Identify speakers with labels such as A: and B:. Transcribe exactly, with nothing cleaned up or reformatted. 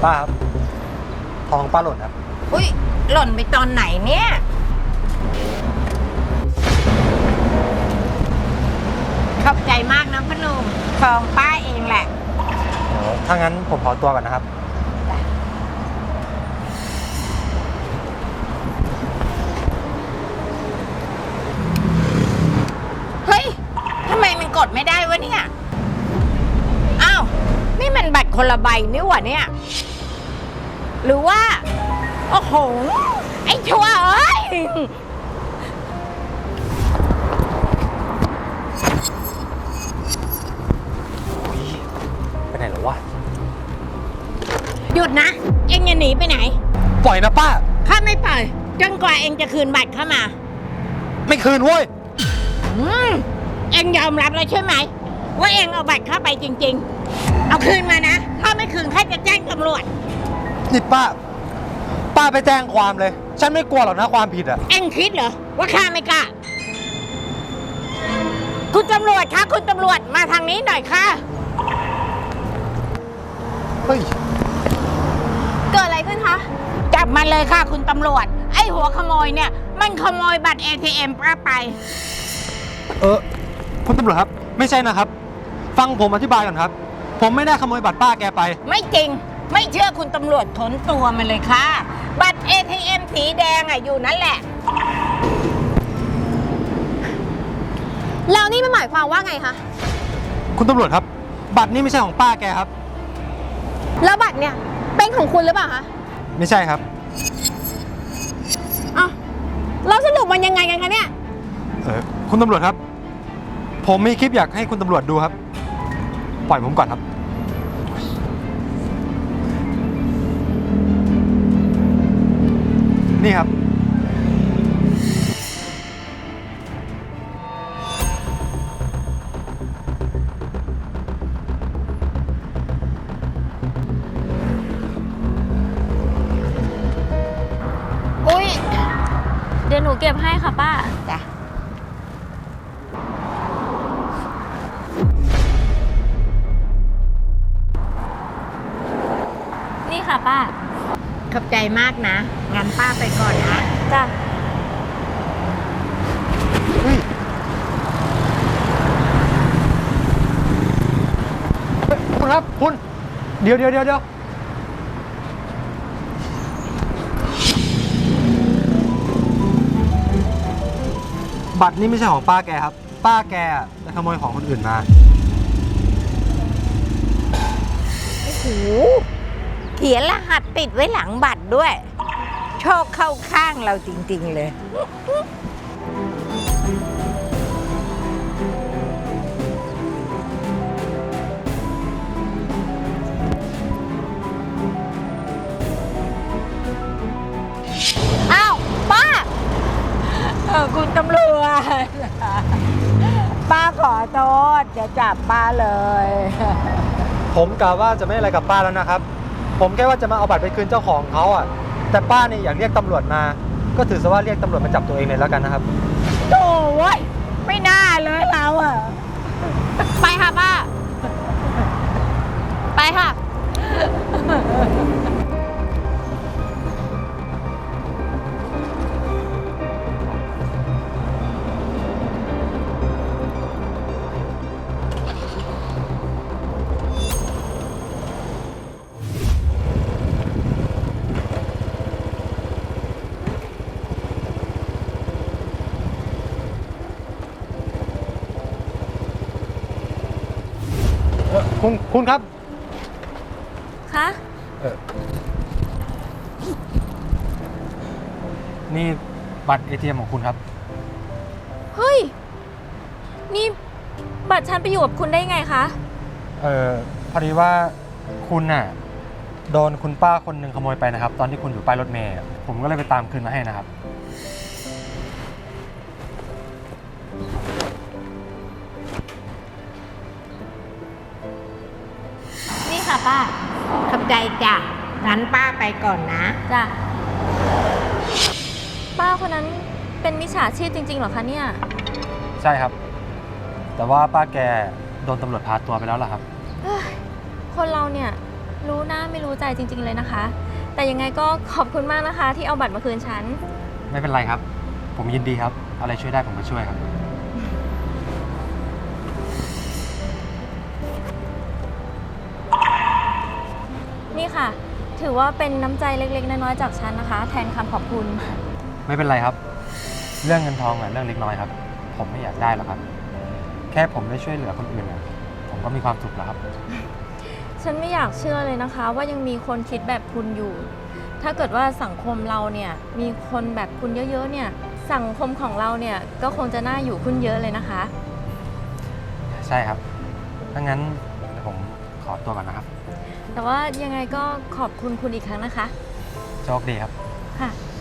A: ป้าครับทองป้าหล่นครับ
B: อุ้ยหล่นไปตอนไหนเนี่ยขอบใจมากนะพนุ่มทองป้าเองแหละ
A: ถ้างั้นผมขอตัวก่อนนะครับ
B: เฮ้ยทำไมมันกดไม่ได้วะเนี่ยอ้าวนี่มันบัตรคนละใบนี่หว่าเนี่ยหรือว่าโอ้โหไอ้ชั่วเอ้ย
A: ไปไหนหรอวะ
B: หยุดนะเอ็งจะหนีไปไหน
A: ปล่อยนะป้า
B: ข้าไม่ปล่อยจนกว่าเอ็งจะคืนบัตรเข้ามา
A: ไม่คืนเว้ย
B: อืมเอ็งยอมรับแล้วใช่ไหมว่าเอ็งเอาบัตรเข้าไปจริงๆเอาคืนมานะถ้าไม่คืนข้าจะแจ้งตำรวจ
A: นี่ป้าป้าไปแจ้งความเลยฉันไม่กลัวหรอกนะความผิดอะ
B: เอ็งคิดเหรอว่าข้าไม่กล้าคุณตำรวจคะคุณตำรวจมาทางนี้หน่อยค่ะ
A: เฮ้ย
C: เกิดอะไรขึ้นคะ
B: จับมันเลยค่ะคุณตำรวจไอ้หัวขโมยเนี่ยมันขโมยบัตร เอ ที เอ็ม ป้าไป
A: เออคุณตำรวจครับไม่ใช่นะครับฟังผมอธิบายก่อนครับผมไม่ได้ขโมยบัตรป้าแกไป
B: ไม่จริงไม่เชื่อคุณตำรวจถอนตัวมันเลยค่ะบัตร เอ ที เอ็ม สีแดงอ่ะอยู่นั่นแหละ
C: แล้วนี่มันหมายความว่าไงคะ
A: คุณตำรวจครับบัตรนี่ไม่ใช่ของป้าแกครับ
C: แล้วบัตรเนี่ยเป็นของคุณหรือเปล่าคะ
A: ไม่ใช่ครับ
C: อ้าวเราสรุปมันยังไงกันคะเนี่ย
A: เออคุณตำรวจครับผมมีคลิปอยากให้คุณตำรวจดูครับปล่อยผมก่อนครับนี่ครับ
C: อุ๊ย
D: เดี๋ยวหนูเก็บให้ค่ะป้า
B: จ้ะ
D: นี่ค่ะป้า
B: ขอบใจมากนะงั้นป้าไปก่อนนะ
D: จ้ะ
A: เฮ้ยคุณครับคุณเดี๋ยวเดี๋ยวเดี๋ยวเดี๋ยวบัตรนี่ไม่ใช่ของป้าแกครับป้าแกไปขโมยของคนอื่นมา
B: โอ้โหเขียนรหัสติดไว้หลังบัตรด้วยโชคเข้าข้างเราจริงๆเลย
C: อ้าวป้า
B: เออคุณตำรวจป้าขอโทษจะจับป้าเลย
A: ผมกะว่าจะไม่อะไรกับป้าแล้วนะครับผมแค่ว่าจะมาเอาบัตรไปคืนเจ้าของเขาอ่ะแต่ป้าเนี่ยอยากเรียกตำรวจมาก็ถือซะว่าเรียกตำรวจมาจับตัวเองเลยแล้วกันนะครับ
B: โถ่เว้ยไม่น่าเลยเราอ่ะ
C: ไปค่ะป้าไปค่ะ
A: คุณคุณครับ
D: คะ
A: เออนี่บัตร เอ ที เอ็ม ของคุณครับ
D: เฮ้ยนี่บัตรฉันไปอยู่กับคุณได้ไงคะ
A: เออพอดีว่าคุณน่ะโดนคุณป้าคนหนึ่งขโมยไปนะครับตอนที่คุณอยู่ป้ายรถเมล์ผมก็เลยไปตามคืนมาให้นะครับ
D: นี่ค่ะป้า
B: ขอบใจจ้ะงั้นป้าไปก่อนนะ
D: จ้ะป้าคนนั้นเป็นมิจฉาชีพจริงๆเหรอคะเนี่ย
A: ใช่ครับแต่ว่าป้าแกโดนตำรวจพาตัวไปแล้วล่ะครับ
D: คนเราเนี่ยรู้หน้าไม่รู้ใจจริง ๆ เลยนะคะ แต่ยังไงก็ขอบคุณมากนะคะ ที่เอาบัตรมาคืนฉัน
A: ไม่เป็นไรครับ ผมยินดีครับ อะไรช่วยได้ผมก็ช่วยครับ
D: นี่ค่ะ ถือว่าเป็นน้ำใจเล็ก ๆ น้อยๆจากฉันนะคะ แทนคำขอบคุณ
A: ไม่เป็นไรครับ เรื่องเงินทองอะเรื่องเล็กน้อยครับ ผมไม่อยากได้หรอกครับ แค่ผมได้ช่วยเหลือคนอื่นอะผมก็มีความสุขแล้วครับ
D: ฉันไม่อยากเชื่อเลยนะคะ ว่ายังมีคนคิดแบบคุณอยู่ ถ้าเกิดว่าสังคมเราเนี่ยมีคนแบบคุณเยอะๆเนี่ย สังคมของเราเนี่ยก็คงจะน่าอยู่ขึ้นเยอะเลยนะคะ
A: ใช่ครับถ้างั้นเดี๋ยวผมขอตัวก่อนนะครับ
D: แต่ว่ายังไงก็ขอบคุณคุณอีกครั้งนะคะ
A: โชคดีครับ
D: ค่ะ